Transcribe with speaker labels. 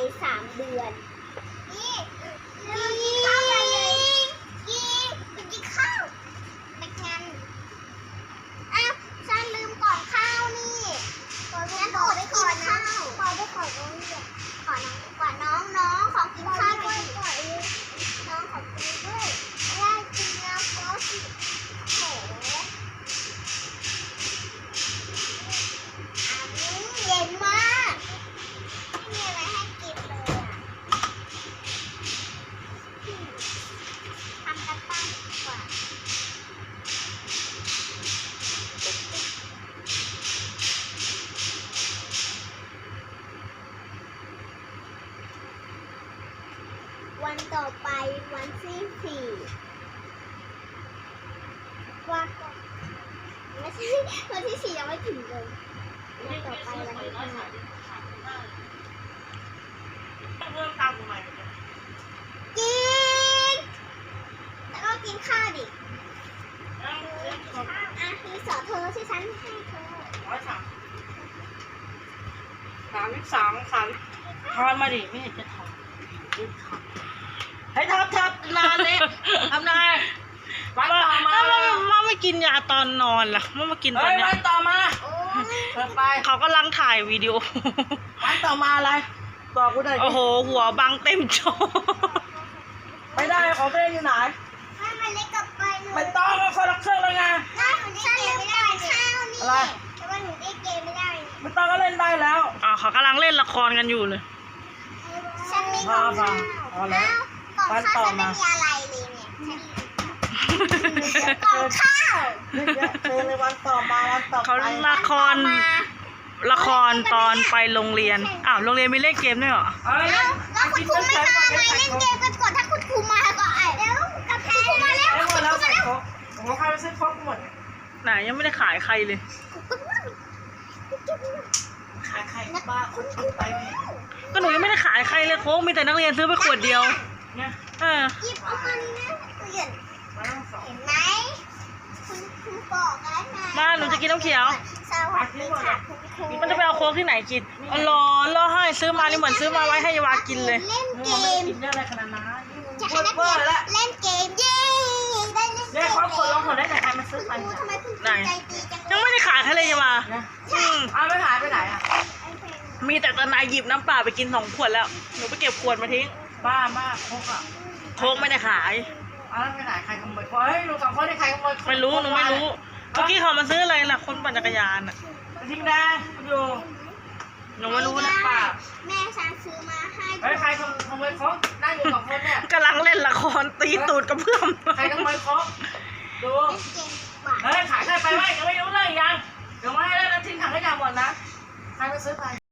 Speaker 1: 3 เดือนนี่กินข้าวเลยกินข้าวไม่งั้นอ้าวฉันลืมก่อนข้าวนี่งั้นอดไปก่อนนะขอน้องขอกินข้าวด้วยน้องขอกินด้วยได้กินแล้วก็สิโหเย็นมากไม่มีอะไรให้กินเลยอ่ะทำกันบ้านดีกว่าวันต่อไปวันที่4ว่าไม่ใช่วันที่4ยังไม่ถึงเลยวันต่อไปวันที่5
Speaker 2: เริ่มตามทำไม
Speaker 1: กินแล้วก็กินข้าวดิรีสอร์ทเธอที่ฉันให้เธอ
Speaker 2: 133ทอนมาดิไม่เห็นจะทำให้ทับนานเลยทำนายวันต่อมา
Speaker 3: ว่าไม่กินยาตอนนอนล่ะมากินตอนนี้
Speaker 2: วันต่อมาเปิดไป
Speaker 3: เขากำลังถ่ายวิดีโอ
Speaker 2: วันต่อมาอะไรบอกกูหน่อย
Speaker 3: โอ้โหหัวบังเต็มจอ
Speaker 2: ไม่ได้ของเต้อยู่ไหน
Speaker 1: มันเล็กกับไปเลย
Speaker 2: ไม่ต้องมาคนละเครื่องเลยไง
Speaker 1: ฉันลืมก่อนข้าวนี่อะไรแต่ว่าหนูได้เกมไม่ได้
Speaker 2: ไม่ต้องก็เล่นได้แล้ว
Speaker 3: เขากำลังเล่นละครกันอยู่เลย
Speaker 1: ฉันมีก่อนข้าวก่อนข้าวฉันไม่มีอะไรเลยเนี่ยก่อนข้าว
Speaker 2: เจอในวันต่อมาวันต่อไป
Speaker 3: เขาละครตอนไปโรงเรียนโรงเรียนมีเล่นเกมด้วยเหรอ
Speaker 1: แล้วคุณครูไม่มาไงเล่นเกมกันก่อนถ้าคุณครูมาก็แล้วกับคุณครูมาแล้ว
Speaker 2: หมดแล้วใส่ครกผมพาไปซื้อครกหมด
Speaker 3: ไหนยังไม่ได้ขายใครเลย
Speaker 2: ขายใครบ้าคุณไป
Speaker 3: ก็หนูยังไม่ได้ขายใครเลยโค้กมีแต่นักเรียนซื้อไปขวดเดียว
Speaker 2: เนี่ย
Speaker 1: หยิบเอามันนะเปลี่ยนเห็นไหมคุณครูบอกแล้วไง
Speaker 3: มาหนูจะกินน้ำเขียว
Speaker 1: สวัสดีค่ะคุณครู
Speaker 3: มันจะไปเอาโค้กที่ไหนกินรอให้ซื้อมานี่เหมือนซื้อมาไว้ให้ยาวากินเลย
Speaker 1: เล่นเกม
Speaker 2: กินได้อะไรขนาดนั้น
Speaker 1: จะให้นักเรียนเล่นเกมเย้ได้เล่นเกม
Speaker 2: เนี่ยเขาคนลงคนได้ไหนใครมาซื้อไป
Speaker 1: ทำไมคุณใจดีจัง
Speaker 3: ยังไม่ได้ขายใครเลยยาวา
Speaker 2: ไม่หายไปไหน
Speaker 3: มีแต่ตอนนายหยิบน้ำเปล่าไปกิน2 ขวดแล้วหนูไปเก็บขวดมาทิ้ง
Speaker 2: บ้ามาก
Speaker 3: โค้กไม่ได้ขาย
Speaker 2: ไปไหนใครขโมยเฮ้ยหนู2 คนได้ใครขโมย
Speaker 3: ไม่รู้หนูไม่รู้เมื่อกี้เขามาซื้ออะไรล่ะคนปั่นจักรยาน
Speaker 2: ทิ้งได้อยู่
Speaker 3: หนูไม่รู้นะ
Speaker 1: แม่ฉันซื้อมาให้
Speaker 2: เฮ้ยใครขโมยโค้กนั่งอยู่2 คนเนี่ย
Speaker 3: กำลังเล่นละครตีตูดกับเพื่อน
Speaker 2: ใครขโมยโค้กดูเฮ้ยขายใครไปไหมยังไม่รู้เลยยังเดี๋ยวมาให้แล้วทิ้งถังขยะหมดนะใครไปซื้อไป